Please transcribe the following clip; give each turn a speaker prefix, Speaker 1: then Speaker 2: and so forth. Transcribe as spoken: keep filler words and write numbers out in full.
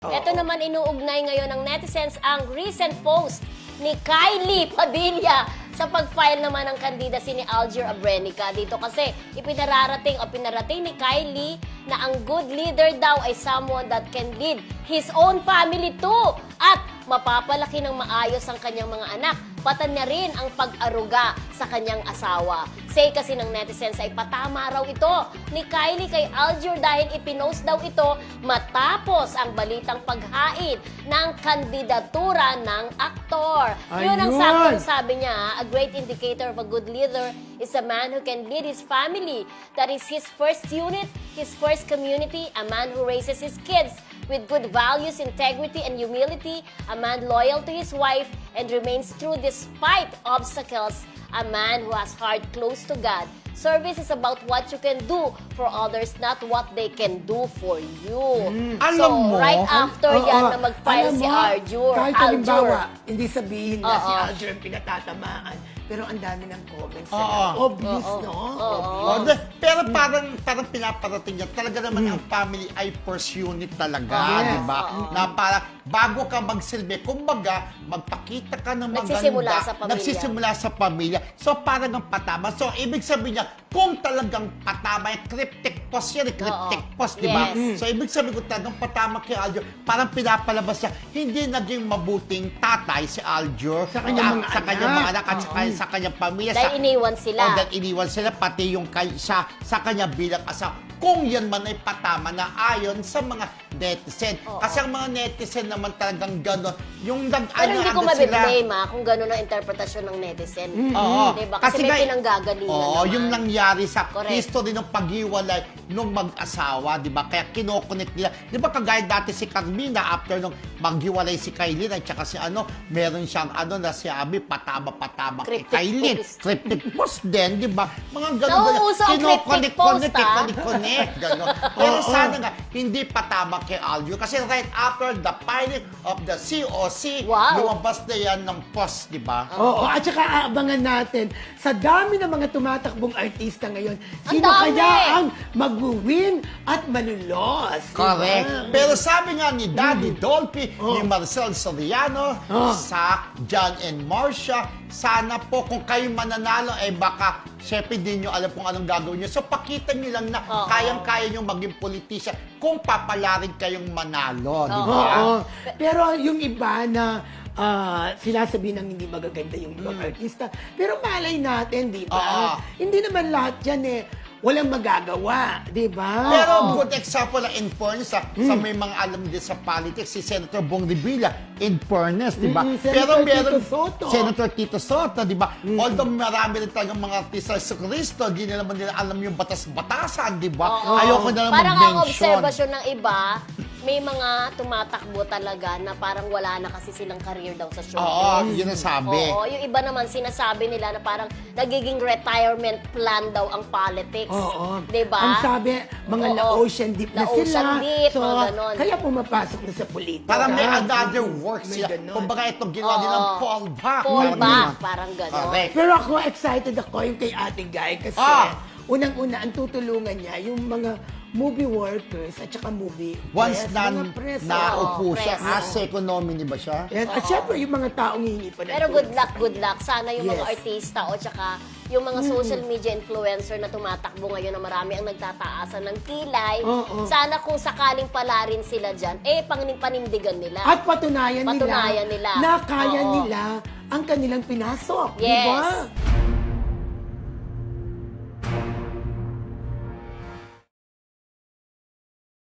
Speaker 1: Ito naman inuugnay ngayon ng netizens ang recent post ni Kylie Padilla sa pag-file naman ng candidacy ni Alger Abrenica. Dito kasi ipinararating o pinarating ni Kylie na ang good leader daw ay someone that can lead his own family too. At mapapalaki ng maayos ang kanyang mga anak. Patan niya rin ang pag-aruga sa kanyang asawa. Say kasi ng netizens ay patama raw ito ni Kylie kay Alger dahil ipinost daw ito matapos ang balitang paghain ng kandidatura ng aktor. Yun ang
Speaker 2: Ayun.
Speaker 1: saktong sabi niya, a great indicator of a good leader is a man who can lead his family. That is his first unit, his first community, a man who raises his kids with good values, integrity, and humility, a man loyal to his wife and remains true despite obstacles, a man who has heart close to God. Service is about what you can do for others, not what they can do for you.
Speaker 2: Mm.
Speaker 1: So,
Speaker 3: Alam mo,
Speaker 1: right after
Speaker 2: Oo,
Speaker 1: yan
Speaker 2: oo.
Speaker 1: na mag-file
Speaker 2: Alam
Speaker 1: si
Speaker 2: mo,
Speaker 1: Arjur,
Speaker 2: Kahit
Speaker 1: Aljur.
Speaker 2: halimbawa, hindi sabihin na si
Speaker 1: Oo.
Speaker 2: Alger ang pinatatamaan, pero ang dami ng comments.
Speaker 3: Oo.
Speaker 2: na obvious,
Speaker 1: Oo.
Speaker 2: no?
Speaker 1: Oo.
Speaker 3: Oh, de- pero parang parang pinaparating niya talaga naman ang family ay first unit talaga,
Speaker 2: Yes.
Speaker 3: di ba?
Speaker 1: Oo.
Speaker 3: Na parang bago ka magsilbi, kumbaga magpakita ka ng maganda.
Speaker 1: Nagsisimula sa pamilya.
Speaker 3: Nagsisimula sa pamilya. So parang ang patama. So ibig sabihin niya, kung talagang patama, yung cryptic post yan, eh, cryptic
Speaker 1: Oo.
Speaker 3: post, di ba?
Speaker 1: Yes.
Speaker 3: So ibig sabihin ko talagang patama kay Aljur, parang pinapalabas siya, hindi naging mabuting tatay si Aljur
Speaker 2: Sa kanyang mga
Speaker 3: sa kanyang
Speaker 2: anak.
Speaker 3: mga anak at sa,
Speaker 2: Oo.
Speaker 3: sa kanyang pamilya.
Speaker 1: Dahil
Speaker 3: sa-
Speaker 1: iniwan sila.
Speaker 3: Oh, dahil iniwan sila, pati yung kay, sa, sa kanya bilang asawa. Kung yan man ay patama na ayon sa mga netizen.
Speaker 1: Oo.
Speaker 3: Kasi ang mga netizen naman talagang gano'n. Yung nag
Speaker 1: Pero hindi ko
Speaker 3: ano sila.
Speaker 1: mabiblame ha, kung gano'n ang interpretasyon ng netizen.
Speaker 3: Oo.
Speaker 1: Diba? Kasi, may
Speaker 3: nga-
Speaker 1: pinanggagalingan
Speaker 3: Oo,
Speaker 1: naman.
Speaker 3: yung nangyari sa
Speaker 1: Correct.
Speaker 3: history ng paghiwalay nung mag-asawa, di ba? Kaya kinokonek nila. Di ba kagaya dati si Carmina, after nung maghiwalay si Kylie, at saka si ano, meron siyang ano na si Abi, patama-patama kay
Speaker 1: Cryptic
Speaker 3: Kylie.
Speaker 1: post.
Speaker 3: Cryptic post din, di ba? Mga ganun.
Speaker 1: Nauuso ang cryptic post, ah.
Speaker 3: Connect, gano'n. Pero sana nga, hindi patama kay Aljo. Kasi right after the filing of the C O C,
Speaker 1: Wow.
Speaker 3: lumabas na yan ng post, di ba?
Speaker 2: Oo, at saka aabangan natin, sa dami ng mga tumatakbong artista ngayon,
Speaker 1: Ang
Speaker 2: sino
Speaker 1: dami!
Speaker 2: kaya ang mag-win at malulos? di ba?
Speaker 3: Correct. Pero sabi nga ni Daddy Dolphy,
Speaker 2: Oh.
Speaker 3: ni Marcel Soriano,
Speaker 2: Oh.
Speaker 3: sa John and Marcia, sana po kung kayo mananalo, eh baka syempre di nyo alam kung anong gagawin nyo. So pakita nyo lang na
Speaker 1: Oo.
Speaker 3: kayang-kaya nyo maging politician kung papalarin kayong manalo. Di
Speaker 1: Oo.
Speaker 3: ba?
Speaker 2: Oo. Pero yung iba na ah, sinasabi ng hindi magaganda yung ibang artista. Pero malay natin, di ba?
Speaker 3: Oo.
Speaker 2: Hindi naman lahat yan eh. Walang magagawa, di ba?
Speaker 3: Pero good example na in fairness, sa, sa may mga alam din sa politics, si Senator Bong Revilla, in fairness, di ba?
Speaker 2: Mm, Senator Tito Soto.
Speaker 3: Senator Tito Soto, di ba? Although marami rin talagang mga artista sa Cristo, di nila naman nila alam yung batas-batasan, di ba?
Speaker 1: Oo.
Speaker 3: Ayoko na lang
Speaker 1: Parang ang
Speaker 3: mag-mention.
Speaker 1: obserbasyon ng iba, may mga tumatakbo talaga na parang wala na kasi silang career daw sa showbiz.
Speaker 3: Oo, yun ang sabi.
Speaker 1: Oo, yung iba naman sinasabi nila na parang nagiging retirement plan daw ang politics.
Speaker 2: Oo.
Speaker 1: Diba?
Speaker 2: Ang sabi, mga
Speaker 1: Oo.
Speaker 2: na-ocean deep na
Speaker 1: Na-ocean
Speaker 2: sila.
Speaker 1: deep,
Speaker 2: so,
Speaker 1: mga ganon.
Speaker 2: kaya pumapasok na sa politika.
Speaker 3: Parang may another work
Speaker 2: May
Speaker 3: sila.
Speaker 2: ganon.
Speaker 3: Kumbaga itong ginawa
Speaker 1: Oo.
Speaker 3: nilang fallback.
Speaker 1: Fall
Speaker 3: Parang
Speaker 1: back,
Speaker 3: yun.
Speaker 1: parang gano'n.
Speaker 3: Correct.
Speaker 2: Pero ako, excited ako yung kay Ate Guy kasi
Speaker 3: Ah.
Speaker 2: unang-una, ang tutulungan niya yung mga movie workers at saka movie
Speaker 3: Once
Speaker 2: press,
Speaker 3: na
Speaker 2: mga press.
Speaker 3: naupo
Speaker 1: Oo,
Speaker 3: siya,
Speaker 1: press.
Speaker 3: as second nominee ba siya?
Speaker 2: Yan. At syempre, yung mga taong hihingi pa ng
Speaker 1: Pero
Speaker 2: tulong
Speaker 1: good
Speaker 2: sa
Speaker 1: luck,
Speaker 2: kanya.
Speaker 1: good luck. Sana yung mga
Speaker 2: Yes.
Speaker 1: artista o tsaka yung mga social media influencer na tumatakbo ngayon na marami ang nagtataasan ng kilay.
Speaker 2: Oo.
Speaker 1: Sana kung sakaling pala rin sila dyan, eh, panin- panindigan nila.
Speaker 2: At patunayan,
Speaker 1: Patunayan
Speaker 2: nila,
Speaker 1: nila.
Speaker 2: na kaya
Speaker 1: Oo.
Speaker 2: nila ang kanilang pinasok.
Speaker 1: Yes.
Speaker 2: Di ba?